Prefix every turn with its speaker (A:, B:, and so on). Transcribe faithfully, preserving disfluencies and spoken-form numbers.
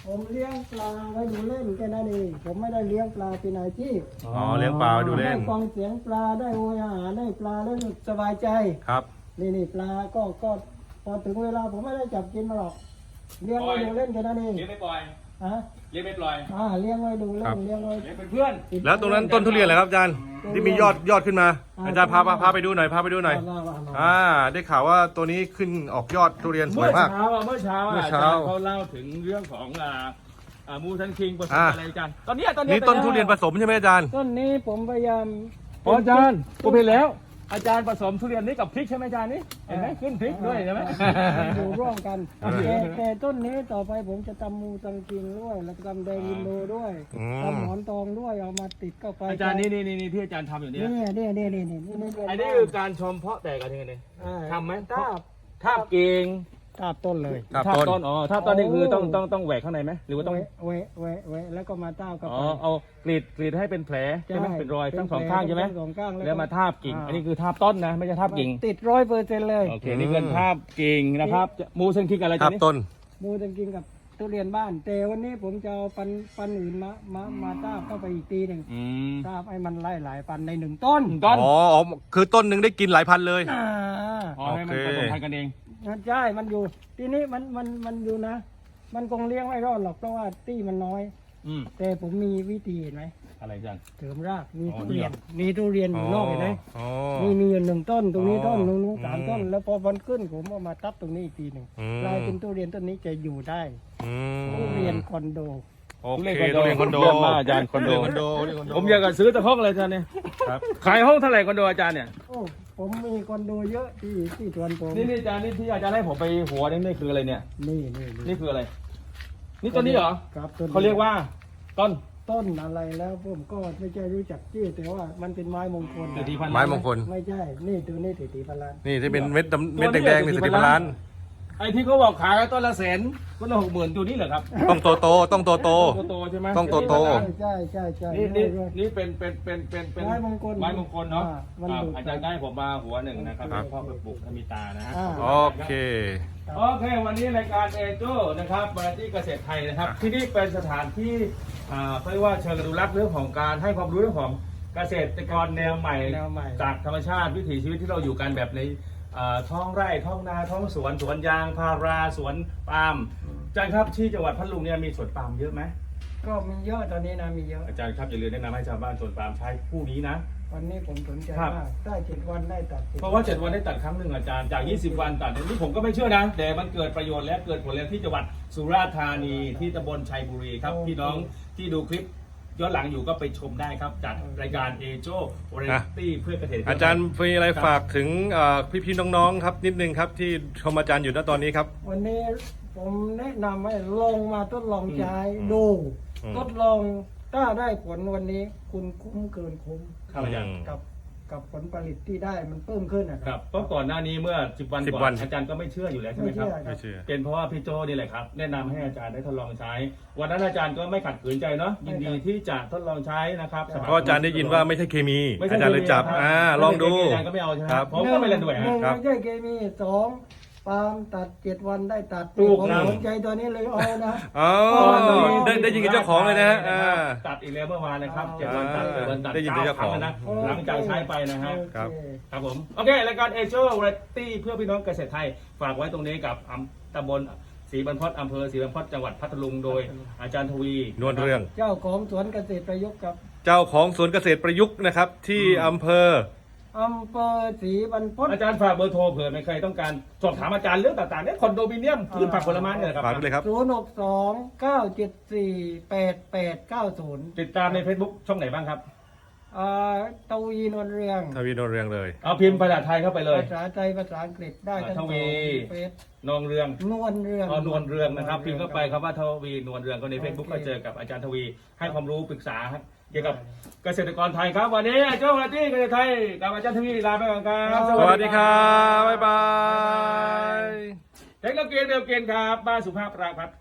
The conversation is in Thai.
A: ผมเลี้ยงปลาไว้ดูเล่นแค่นั้นเองผมไม่ได้เลี้ยงปลาเป็นอาชีพ
B: อ๋อเลี้ยงปลาดูเล่น
A: ได้ฟังเสียงปลาได้โอยอาหารได้ปลาแล้วสบายใจ
B: ครับ
A: นี่นี่ปลาก็ก็พอถึงเวลาผมไม่ได้จับกินมาหรอกเลี้ยงไว้ดูเล่นแค่นั้นเอง
C: เลี้ยงไม่ปล่อย
A: ฮะ
C: เลี้ยงไม่ปล่อย
A: อ่าเลี้ยงไว้ดูเล่นเลี้ยงไว้
C: เลี้ยงเป็นเพื่อน
B: แล้วตรงนั้นต้นทุเรียนเหรอครับอาจารย์ที่มียอดยอดขึ้นมา อาจารย์พาพาพาไปดูหน่อยพาไปดูหน่อย
A: ว่าว่าว่า
B: อ่าได้ข่าวว่าตัวนี้ขึ้นออกยอดทุเรียนสว
C: เมื่
B: ย
C: อ
B: มาก
C: เช้าอะเมื่อเช้า
B: เมื่
C: อะ
B: อ
C: อา
B: เช้า
C: จารย์เขาเล่าถึงเรื่องของอ่าอ่ามูทันคิงผสม
B: อ่า
C: อะไรกันตอนเนี้ยตอนเนี้ย
B: นี่ต้นทุเรียนผสมใช่ไหมอาจารย์
A: ต้นนี้ผมพยายาม
C: อ๋ออาจารย์ผมเห็นแล้ว อาจารย์ผสมทุเรียนนี้กับพริกใช่ไหมอาจารย์นี่เห็นไหมขึ้นพริกด้วยใช่ไหม
A: อยู่ร่วมกัน
B: เออ
A: แต่แต่ต้นนี้ต่อไปผมจะทำมูตังกิงด้วยแล้วก็ทำแดงอินโดด้วย
B: อืม
A: ทำหมอนทองด้วยเอามาติดเข้าไป
C: อาจารย์นี่นี่นี่ที่อาจารย์ทำอยู่เนี่ย
A: เนี่ยเนี่ยเนี่ยเนี่ยเนี่ยเนี่ย
C: อันนี้คือการชมเพาะแตกกันยังไงเนี่ย
A: อ่า
C: ทำไหม
A: ทาบ
C: ทาบเก่ง
A: ทาบต้นเลย
B: ครับ
C: ทาบ
B: ต้น
C: ต้นอ๋อทาบต้นนี่คือต้องต้องต้องแหวกข้างในไหมหรือว่าต้อง
A: เวะเวะเวะเวะแล้วก็มาทาบเข้า
C: อ๋อ
A: ไป
C: เอากรีดกรีดให้เป็นแผลใช่ไหมเป็นรอยทั้งสองข้างใช่ไหม
A: ทั้งสองข้าง
C: แล้วมา
A: ก็
C: ทาบกิ่ง
A: อ่า
C: อันนี้คือทาบต้นนะไม่ใช่ทาบกิ่ง
A: ติดร้อยเปอร์เซ็นต์เลย
C: โอเคนี่คือทาบกิ่งนะครับจะมูเซนคิกอะไร
B: ครั
C: จะ
B: บ
C: นี่
B: ต้น
A: มูตังกิงกับทุเรียนบ้าน แต่วันนี้ผมจะเอาปันปันอื่นมามามาทาบเข้าไปอีกทีหนึ่ง
C: อืม
A: ทาบให้มันไล่หลายปันในหนึ่งต้น
C: ต้น
B: อ๋ออ๋อคือต้นหนึ่งได้กินหลายพันเลย
A: อ่า
C: อ๋อให้มัน
B: โอเค
C: ผสมพันธุ์กันเอง
A: ใช่ มันอยู่ ทีนี้มัน มัน มันอยู่นะ มันคงเลี้ยงไม่รอดหรอกเพราะว่าตี้มันน้อย
C: อืม
A: แต่ผมมีวิธีเห็นไหม
C: อะไรอาจารย์
A: เสริมราก มี
C: อ๋อ
A: ทุเรียน
C: นี่เหรอ
A: มีทุเรียนอยู่นอกเห็นไหม
B: อ๋อ
A: นี่มีอยู่หนึ่งต้น ตรงนี้ต้น
B: อ๋อ
A: ตรงนู้นสาม
B: อืม
A: ต้น แล้วพอมันขึ้นผมเอามาทับตรงนี้อีกทีหนึ่ง
B: อืม
A: กลายเป็นทุเรียนต้นนี้จะอยู่ได้
B: อืม
A: ทุเรียนคอนโด
B: โอเคทุเรียนคอนโด
C: เยี่ยมมากอาจารย์คอนโด
B: ทุเรียนคอนโดทุเรียนคอนโด
C: ผมอยากจะซื้อแต่ห้องเลยอาจารย์เนี่ย
B: ครับ
C: ขายห้องเท่าไหร่คอนโดอาจารย์เนี่ย
A: โอ้ ผมมีคอนโดเยอะที่ที่สวนผม
C: นี่นี่อาจารย์นี่ที่อาจารย์ให้ผมไปหัวนี่นี่คืออะไรเนี่ย
A: นี่นี่
C: นี่คืออะไร นี่ต้นนี้เหรอ
A: ครับต้นนี้
C: เขาเรียกว่าต้น
A: ต้นอะไรแล้วผมก็ไม่ใช่รู้จักชื่อแต่ว่ามันเป็นไม้มงคล
C: เศรษฐีพันล้าน
B: ไม้มงคล
A: ไม่ใช่ นี่ตัวนี้ติตีพลัน
B: นี่ที่เป็นเม็ดดำเม็ดแดงๆนี่สิบล้าน
C: ไอ้ที่เขาบอกขายต้นละแสนต้นละหกหมื่นตัวนี้เหรอครับ
B: ต้องโตโตต้องโตโต
C: โตๆใช่ไหม
B: ต้องโตโต
A: ใช่ใช่ใช่
C: นี่นี่
A: ด้วย
C: นี่เป็นเป็นเป็นเป็นเป็น
A: ไม้มงคล
C: ไม้มงคลเนาะ
A: อ่ามัน
C: ครับ
A: ดูด
C: อาจารย์ได้ผมมาหัวหนึ่งนะครับ
B: ครับ
C: พ่อไปปลูกธมิตานะฮะ
A: อ่า
B: โอเค
C: โอเค วันนี้รายการเอโจนะครับมาที่เกษตรไทยนะครับ ที่นี่เป็นสถานที่อ่าเขาเรียกว่าเชิงอนุรักษ์เรื่องของการให้ความรู้เรื่องของเกษตรกรแนวใหม่
A: แนวใหม่
C: จากธรรมชาติวิถีชีวิตที่เราอยู่กันแบบในอ่าท้องไร่ท้องนาท้องสวนสวนยางพาราสวนปาล์มอาจารย์ครับที่จังหวัดพัทลุงเนี่ยมีสวนปาล์มเยอะไหม
A: ก็มีเยอะตอนนี้นะมีเยอะ
C: อาจารย์ครับอย่าลืมแนะนำให้ชาวบ้านสวนปาล์มใช้คู่นี้นะ
A: วันนี้ผมสนใจ
C: ครับ
A: มากได้เจ็ดวันได้ตัด
C: เพราะว่าเจ็ดวันได้ตัดครั้งหนึ่งอาจารย์จากยี่สิบวันตัดนี่ผมก็ไม่เชื่อนะ แต่มันเกิดประโยชน์และเกิดผลแล้วที่จังหวัดสุราษฎร์ธานีที่ตำบลชัยบุรีครับพี่น้องที่ดูคลิปย้อนหลังอยู่ก็ไปชมได้ครับจากรายการเอโจวาไรตี้เพื่อเกษตรกร
B: อาจารย์มีอะไรฝากถึงเอ่อพี่ๆน้องๆครับนิดนึงครับที่ชมอาจารย์อยู่ณตอนนี้ครับ
A: วันนี้ผมแนะนำให้ลองมาทดลองใช้
C: อืม
A: ดู
B: อืม
A: ทดลองถ้าได้ผลวันนี้คุณคุ้มเกินคุ้ม
C: ครับอาจารย์
A: กับกับผลผลิตที่ได้มันเพิ่มขึ้นนะ
C: ค
A: ค
C: รั
A: รั
C: บบ เพราะก่อนหน้านี้เมื่อสิบวัน
B: สิบ
C: ก่
B: วั
C: อน นอาจารย์ก็ไม่เชื่ออยู่แล้วใช่ไหมครับ
B: ไม่เชื่อ
C: เป็นเพราะว่าพี่โจนี่แหละครับแนะนำให้อาจารย์ได้ทดลองใช้ วันนั้นอาจารย์ก็ไม่ขัดขืนใจเนาะยินดีที่จะทดลองใช้นะครับ
B: เพราะอาจารย์ได้ยินว่าไม่ใช่เคมี
C: ไม่ใช่
B: อาจารย์เลยจับ
C: คมี
B: อ่า
C: ครับ
B: ลองดู
C: อาจารย์ก็ไม่เอาใช่ไหม
B: ครับ
C: ผมก็ไม่เล่นด้วย
A: ห
C: ฮะ
A: นึ่ง
B: ครับ
A: ไม่ใช่เคมีสองปาล์มตัดเจ็ดวันได้ตัด
C: ถูก
A: ผม
C: ครับ
A: สนใจตัวนี้เลยเอานะ
B: อ๋อได้ได้ยินกับเจ้าของเลยนะฮะอ่า
C: ตัดอีกแล้วเมื่อวานนะครับเจ็ดวันตัดเจ็ดวันตัด
B: ได้ยินกับเจ้าของ
C: ครั้นะ หลังจากใช้ไปนะฮะ
A: โอเ
B: ครับ
C: ครับผม โอเค รายการเอเจอร์เรตตี้เพื่อพี่น้องเกษตรไทย ฝากไว้ตรงนี้กับอำตำบลศรีบรรพตอำเภอศรีบรรพตจังหวัดพัทลุงโดยอาจารย์ทวี
B: นวลเรื่อง
A: เจ้าของสวนเกษตรประยุกต์กับ
B: เจ้าของสวนเกษตรประยุกต์นะครับ ที่อำเภอ
A: อำเภอศรีบรรพต
C: อาจารย์ฝากเบอร์โทรเผื่อใครต้องการสอบถามอาจารย์เรื่องต่างๆเนี่ยคอนโดมิเนียมพืชผักผลไม้เนี่ยนะครับ
B: ฝากไปเลยครับ
A: ศูนย์หกสองเก้าเจ็ดสี่แปดแปดเก้าศูนย์
C: ติดตามใน Facebook ช่องไหนบ้างครับ
A: อ่าตวีนวลเรือง
B: ทวีนวลเรื่องเลย
C: เอาพิมพ์ภาษาไทยเข้าไปเลย
A: ภาษาไทยภาษาอังกฤษได้ทั้งส
C: ท
A: อง
C: วี
A: เฟซ
C: นองเรือง
A: นวลเรือง
C: อ๋อนวลเรืองนะครับพิมพ์เข้าไปคำว่าทวีนวลเรืองก็ใน
A: โอเค
C: Facebook ก็เจอกับอาจารย์ทวี ให้ความรู้ปรึกษาครับเกี่ยวกับเกษตรกรไทยครับ วันนี้เจ้าหน้าที่เกษตรไทยกับอาจารย์ทวีลาไปก่อนครับ
B: สวัสดีครับ บ๊ายบาย
C: เทคโนโลยีเดียวเกณฑ์ครับบ้านสุภาพปราพัฒน์